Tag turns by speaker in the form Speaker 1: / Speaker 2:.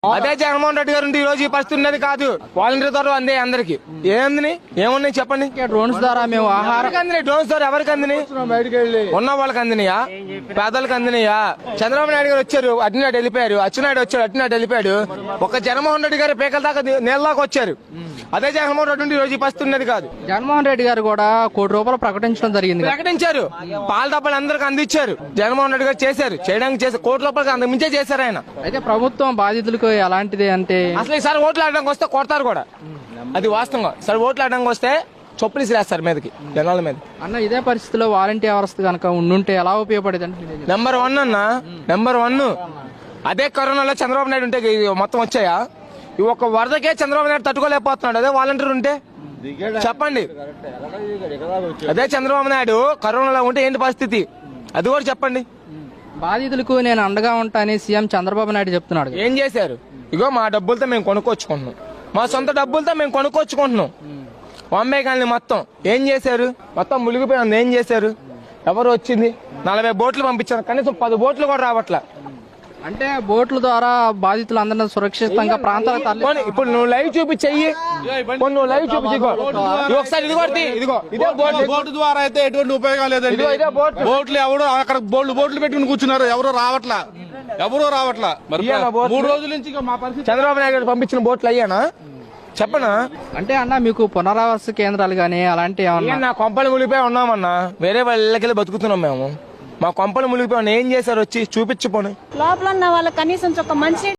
Speaker 1: అదే జగన్మోహన్ రెడ్డి గారు ఈ రోజు ఈ పరిస్థితి ఉన్నది కాదు. వాలంటీర్ ద్వారా అందే అందరికి ఏముంది ఏమున్నాయి చెప్పండి.
Speaker 2: డ్రోన్స్ ద్వారా మేము ఆహారం
Speaker 1: అందినాయి. డ్రోన్స్ ద్వారా ఎవరికి అందినాయి? ఉన్న వాళ్ళకి అందినాయా? పేదలకు అందినాయా? చంద్రబాబు నాయుడు గారు వచ్చారు, అటునాడు వెళ్ళిపోయారు. అచ్చెన్నాయుడు వచ్చాడు, అటునాడు వెళ్ళిపోయాడు. ఒక జగన్మోహన్ రెడ్డి గారు పేకల దాకా నీళ్ళదాకా వచ్చారు. అదే జగన్మోహన్ రెడ్డి ఈ రోజు ఈ పరిస్థితి ఉన్నది కాదు.
Speaker 2: జగన్మోహన్ రెడ్డి గారు కూడా ₹1 ప్రకటించడం జరిగింది.
Speaker 1: ప్రకటించారు. పాల డబ్బాలు అందరికి అందించారు. జగన్మోహన్ రెడ్డి గారు చేశారు, చేయడానికి చేశారు. ₹1 అంతకు మించే చేశారు ఆయన.
Speaker 2: అయితే ప్రభుత్వం బాధితులకు ఎలాంటిది అంటే
Speaker 1: అసలు ఈసారి ఓట్లు ఆడడానికి వస్తే కొడతారు కూడా, అది వాస్తవంగా. సరే ఓట్లు ఆడడానికి వస్తే చొప్పులు వేస్తారు మీదకి, జనాల మీద.
Speaker 2: అన్న ఇదే పరిస్థితిలో వాలంటీర్ వ్యవస్థ కనుక ఉండుంటే ఎలా ఉపయోగపడేది అంటే
Speaker 1: నెంబర్ 1 అన్న, నెంబర్ 1. అదే కరోనాలో చంద్రబాబు నాయుడు ఉంటే మొత్తం వచ్చాయా? ఈ ఒక్క వరదకే చంద్రబాబు నాయుడు తట్టుకోలేకపోతున్నాడు. అదే వాలంటీర్ ఉంటే చెప్పండి. అదే చంద్రబాబు నాయుడు కరోనాలో ఉంటే ఏంటి పరిస్థితి, అది కూడా చెప్పండి.
Speaker 2: బాధితులకు నేను అండగా ఉంటానని సీఎం చంద్రబాబు నాయుడు చెప్తున్నాడు.
Speaker 1: ఏం చేశారు? ఇగో మా డబ్బులతో మేము కొనుక్కొచ్చుకుంటున్నాం, మా సొంత డబ్బులతో మేము కొనుక్కొచ్చుకుంటున్నాం. బాంబే కానీ మొత్తం ఏం చేశారు? మొత్తం మునిగిపోయింది. ఏం చేశారు? ఎవరు వచ్చింది? 40 బోట్లు పంపించారు, కనీసం 10 బోట్లు కూడా రావట్లా.
Speaker 2: అంటే బోట్ల ద్వారా బాధితులు అందరినీ సురక్షితంగా ప్రాంతాలకు తరలి
Speaker 1: ఇప్పుడు నువ్వు లైవ్ చూపించెయ్యి, నువ్వు లైవ్ చూపించి ఒకసారి ఇదిగో ఇదే
Speaker 3: బోటు ద్వారా అయితే ఎటువంటి ఉపయోగం లేదండి.
Speaker 1: ఇదే బోట్.
Speaker 3: బోట్లు ఎవరు అక్కడ బోట్లు పెట్టుకుని కూర్చున్నారు, ఎవరు రావట్లా. మరి 3 రోజుల నుంచి మా పరిస్థితి.
Speaker 1: చంద్రబాబు నాయుడు గారు పంపించిన బోట్లు అయ్యానా చెప్పనా?
Speaker 2: అంటే అన్న మీకు పునరావాస కేంద్రాలు గానీ అలాంటి ఏమన్నా?
Speaker 1: నా కొంపలు మునిగిపోయి ఉన్నామన్నా, వేరే వాళ్ళ ఇళ్ళకెళ్ళి బతుకుతున్నాం మేము. మా కొంపలు మునిగిపోయి ఏం చేశారు? వచ్చి చూపించిపోయి
Speaker 4: లోపల ఉన్న వాళ్ళకి కనీసం ఒక మంచి